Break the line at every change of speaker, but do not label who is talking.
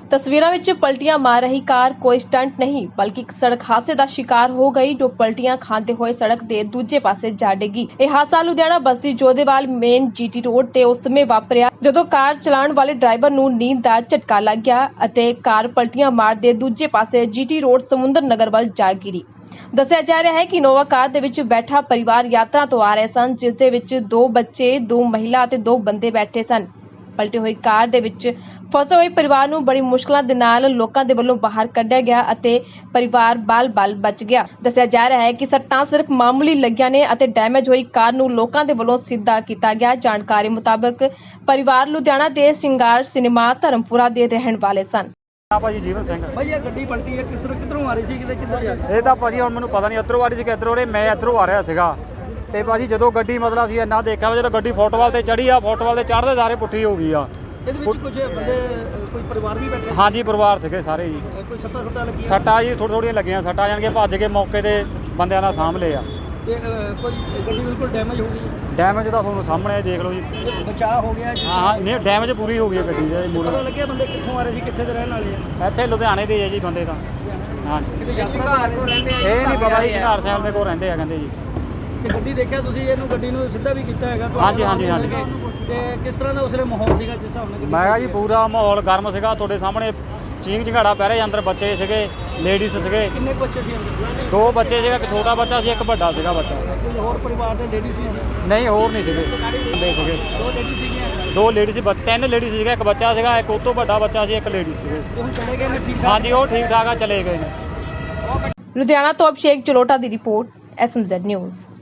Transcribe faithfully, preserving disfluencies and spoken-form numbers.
तस्वीरों ਵਿੱਚ ਪਲਟੀਆਂ ਮਾਰ ਰਹੀ ਕਾਰ ਕੋਈ ਸਟੰਟ नहीं बल्कि एक सड़क हादसे ਦਾ शिकार हो गई जो ਪਲਟੀਆਂ ਖਾਂਦੇ ਹੋਏ ਸੜਕ ਦੇ ਦੂਜੇ ਪਾਸੇ ਜਾ ਡਿੱਗੀ। ਇਹ ਹਾਦਸਾ Ludhiana Basti Jodhewal main GT road ਤੇ ਉਸ ਸਮੇਂ ਵਾਪਰਿਆ ਜਦੋਂ ਕਾਰ ਚਲਾਉਣ ਵਾਲੇ ਡਰਾਈਵਰ ਨੂੰ ਨੀਂਦ ਦਾ ਝਟਕਾ ਲੱਗ ਗਿਆ ਅਤੇ ਕਾਰ ਪਲਟੀਆਂ ਮਾਰਦੇ ਦੂਜੇ ਪਾਸੇ ਜੀਟੀ ਰੋਡ ਸਮੁੰਦਰ ਨਗਰ ਵੱਲ ਜਾ ਗਿਰੀ। ਦੱਸਿਆ ਜਾ ਰਿਹਾ ਹੈ ਕਿ ਇਨੋਵਾ ਕਾਰ ਦੇ ਵਿੱਚ ਬੈਠਾ ਪਰਿਵਾਰ ਯਾਤਰਾ ਤੋਂ ਆ ਰਹੇ ਸਨ ਜਿਸ ਦੇ ਵਿੱਚ ਦੋ ਬੱਚੇ ਦੋ ਮਹਿਲਾ ਅਤੇ ਦੋ ਬੰਦੇ ਬੈਠੇ ਸਨ। ਪਲਟੀ ਹੋਈ ਕਾਰ ਦੇ ਵਿੱਚ ਫਸੇ ਹੋਏ ਪਰਿਵਾਰ ਨੂੰ ਬੜੀ ਮੁਸ਼ਕਲਾਂ ਦੇ ਨਾਲ ਲੋਕਾਂ ਦੇ ਵੱਲੋਂ ਬਾਹਰ ਕੱਢਿਆ ਗਿਆ ਅਤੇ ਪਰਿਵਾਰ ਬਾਲ-ਬਾਲ ਬਚ ਗਿਆ। ਦੱਸਿਆ ਜਾ ਰਿਹਾ ਹੈ ਕਿ ਸੱਟਾਂ ਸਿਰਫ ਮਾਮੂਲੀ ਲੱਗੀਆਂ ਨੇ ਅਤੇ ਡੈਮੇਜ ਹੋਈ ਕਾਰ ਨੂੰ ਲੋਕਾਂ ਦੇ ਵੱਲੋਂ ਸਿੱਧਾ ਕੀਤਾ ਗਿਆ। ਜਾਣਕਾਰੀ ਮੁਤਾਬਕ ਪਰਿਵਾਰ ਲੁਧਿਆਣਾ ਦੇ ਸਿੰਗਾਰ ਸਿਨੇਮਾ ਧਰਮਪੁਰਾ ਦੇ ਰਹਿਣ ਵਾਲੇ ਸਨ।
ਆ ਭਾਜੀ ਜੀਵਨ ਸਿੰਘ
ਭਾਈ ਇਹ ਗੱਡੀ ਪਲਟੀ ਹੈ ਕਿਸ ਕਿੱਧਰੋਂ ਆ ਰਹੀ ਸੀ ਕਿਤੇ ਕਿੱਧਰ ਜਾ ਰਹੀ
ਇਹ ਤਾਂ ਭਾਜੀ ਹੁਣ ਮੈਨੂੰ ਪਤਾ ਨਹੀਂ ਇੱਧਰੋਂ ਆ ਰਹੀ ਸੀ ਕਿ ਇੱਧਰੋਂ, ਮੈਂ ਇੱਧਰੋਂ ਆ ਰਿਹਾ ਸੀਗਾ ਤੇ ਭਾਜੀ ਜਦੋਂ ਗੱਡੀ ਮਤਲਬ ਅਸੀਂ ਇੰਨਾ ਦੇਖਿਆ ਜਦੋਂ ਗੱਡੀ ਫੁੱਟਵਾਲ ਤੇ ਚੜੀ ਆ ਫੁੱਟਵਾਲ ਤੇ ਚੜ੍ਹਦੇ ਸਾਰੇ ਪੁੱਠੀ ਹੋ ਗਈ ਆ।
ਇਹਦੇ ਵਿੱਚ ਕੁਝ ਬੰਦੇ ਕੋਈ ਪਰਿਵਾਰ ਵੀ ਬੈਠੇ
ਹਾਂਜੀ ਪਰਿਵਾਰ ਸੀਗੇ ਸਾਰੇ ਜੀ।
ਕੋਈ ਸੱਟਾਂ ਸੁੱਟਾਂ ਲੱਗੀਆਂ
ਸੱਟਾਂ ਜੀ ਥੋੜ੍ਹੀ ਥੋੜ੍ਹੀਆਂ ਲੱਗੀਆਂ ਸੱਟਾਂ ਜਾਣ ਕੇ ਭੱਜ ਕੇ ਮੌਕੇ ਤੇ ਬੰਦਿਆਂ ਨਾਲ ਸਾਂਭ ਲਏ ਆ।
ਤੇ ਕੋਈ ਗੱਡੀ ਬਿਲਕੁਲ ਡੈਮੇਜ ਹੋ ਗਈ
ਡੈਮੇਜ ਤਾਂ ਤੁਹਾਨੂੰ ਸਾਹਮਣੇ ਦੇਖ ਲਓ ਜੀ।
ਬਚਾਅ ਹੋ ਗਿਆ
ਹਾਂ ਹਾਂ ਨਹੀਂ ਡੈਮੇਜ ਪੂਰੀ ਹੋ ਗਈ ਹੈ ਗੱਡੀ ਦੇ ਮੂਹਰੇ।
ਪਤਾ ਲੱਗਿਆ ਬੰਦੇ ਕਿੱਥੋਂ ਆ ਰਹੇ ਸੀ ਕਿੱਥੇ ਦੇ ਰਹਿਣ ਵਾਲੇ ਆ
ਇੱਥੇ ਲੁਧਿਆਣੇ ਦੇ ਆ ਜੀ ਬੰਦੇ ਤਾਂ। ਹਾਂਜੀ
ਕਿਤੇ ਯਾਤਰਾ ਕੋ ਰਹਿੰਦੇ
ਇਹ ਨਹੀਂ ਪਤਾ ਜੀ ਸ਼ਿੰਗਾਰ ਸਾਹਿਬ ਦੇ ਕੋਲ ਰਹਿੰਦੇ ਆ ਕਹਿੰਦੇ ਜੀ।
ਤੇ ਗੱਡੀ ਦੇਖਿਆ ਤੁਸੀਂ ਇਹਨੂੰ ਗੱਡੀ ਨੂੰ ਸਿੱਧਾ ਵੀ ਕੀਤਾ ਹੈਗਾ
ਹਾਂਜੀ ਹਾਂਜੀ ਹਾਂਜੀ
ਤੇ ਕਿਸ ਤਰ੍ਹਾਂ ਦਾ ਉਸਲੇ ਮਾਹੌਲ ਸੀਗਾ ਜਿਸ ਹਿਸਾਬ ਨਾਲ
ਮੈਂ ਕਿਹਾ ਜੀ ਪੂਰਾ ਮਾਹੌਲ ਗਰਮ ਸੀਗਾ ਤੁਹਾਡੇ ਸਾਹਮਣੇ ਚੀਂਕ ਝਗਾੜਾ ਪੈ ਰਿਹਾ ਅੰਦਰ ਬੱਚੇ ਸੀਗੇ ਲੇਡੀਜ਼ ਸੀਗੇ
ਕਿੰਨੇ ਕੁ ਬੱਚੇ ਸੀ ਅੰਦਰ
ਦੋ ਬੱਚੇ ਸੀਗਾ ਇੱਕ ਛੋਟਾ ਬੱਚਾ ਸੀ ਇੱਕ ਵੱਡਾ ਸੀਗਾ ਬੱਚਾ।
ਕੋਈ ਹੋਰ ਪਰਿਵਾਰ ਦੇ ਲੇਡੀ ਸੀ
ਨਹੀਂ ਹੋਰ ਨਹੀਂ ਸੀਗੇ ਬੰਦੇ ਸੀਗੇ
ਦੋ ਲੇਡੀ ਸੀਗੀਆਂ
ਦੋ ਲੇਡੀ ਸੀ ਤਿੰਨ ਲੇਡੀ ਸੀਗਾ ਇੱਕ ਬੱਚਾ ਸੀਗਾ ਇੱਕ ਉਹ ਤੋਂ ਵੱਡਾ ਬੱਚਾ ਸੀ ਇੱਕ ਲੇਡੀ ਸੀਗੇ।
ਤੇ ਹੁਣ ਚਲੇ ਗਏ ਨੇ ਠੀਕ ਠਾਕ
ਹਾਂਜੀ ਉਹ ਠੀਕ ਠਾਕ ਆ ਚਲੇ ਗਏ ਨੇ।
ਲੁਧਿਆਣਾ ਤੋਂ ਅਭਿਸ਼ੇਕ ਜਲੋਟਾ ਦੀ report S M Z news.